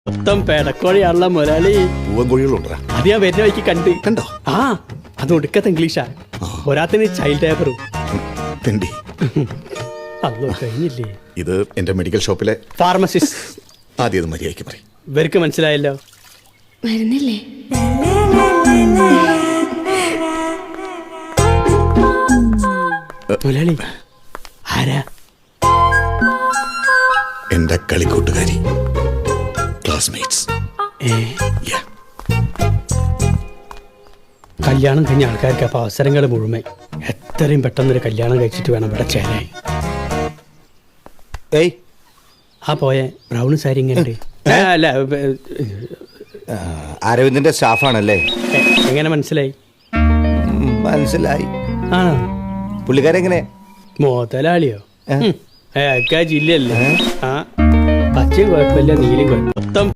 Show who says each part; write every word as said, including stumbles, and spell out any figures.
Speaker 1: മൊത്തം പേടക്കോഴിയാണല്ലോ മുതലാളി.
Speaker 2: പൂവൻകോഴികളുണ്ടാ?
Speaker 1: അത് ഞാൻ വരുന്ന വഴിക്ക് കണ്ട്.
Speaker 2: കണ്ടോ?
Speaker 1: ആ, അത് ഒടുക്കത്തെ ഇംഗ്ലീഷാ. ഒരാത്തിന് ചൈൽഡ് ലേബറും.
Speaker 2: തെണ്ടി.
Speaker 1: അല്ലോ കഴിഞ്ഞില്ലേ?
Speaker 2: ഇത് എന്റെ മെഡിക്കൽ ഷോപ്പിലെ
Speaker 1: ഫാർമസിസ്റ്റ്.
Speaker 2: ആദ്യം മര്യാദയ്ക്ക് പറയും.
Speaker 1: ഇവർക്ക് മനസ്സിലായല്ലോ.
Speaker 3: വരുന്നില്ലേ?
Speaker 1: മുതലാളി ആരാ?
Speaker 2: എന്റെ കളിക്കൂട്ടുകാരി, ക്ലാസ്മേറ്റ്സ്.
Speaker 1: കല്യാണം കഴിഞ്ഞ ആൾക്കാർക്ക് അപ്പൊ അവസരങ്ങൾ മുഴുവൻ. എത്രയും പെട്ടെന്നൊരു കല്യാണം കഴിച്ചിട്ട് വേണം ഇവിടെ ചേരാൻ.
Speaker 4: ഏയ്
Speaker 1: ആ പോയെ ബ്രൗൺ സാരി ഇങ്ങനെ അല്ല,
Speaker 4: അരവിന്ദിന്റെ സ്റ്റാഫാണല്ലേ?
Speaker 1: എ- എങ്ങനെ മനസ്സിലായി?
Speaker 4: മനസ്സിലായി.
Speaker 1: ആണോ?
Speaker 4: പുള്ളിക്കാരെങ്ങനെ?
Speaker 1: മുതലാളിയോ?
Speaker 4: ഏ?
Speaker 1: ഏ ജില്ലല്ലേ? ആ, പച്ചയും കുഴപ്പമില്ല, നീലും കുഴപ്പം. മൊത്തം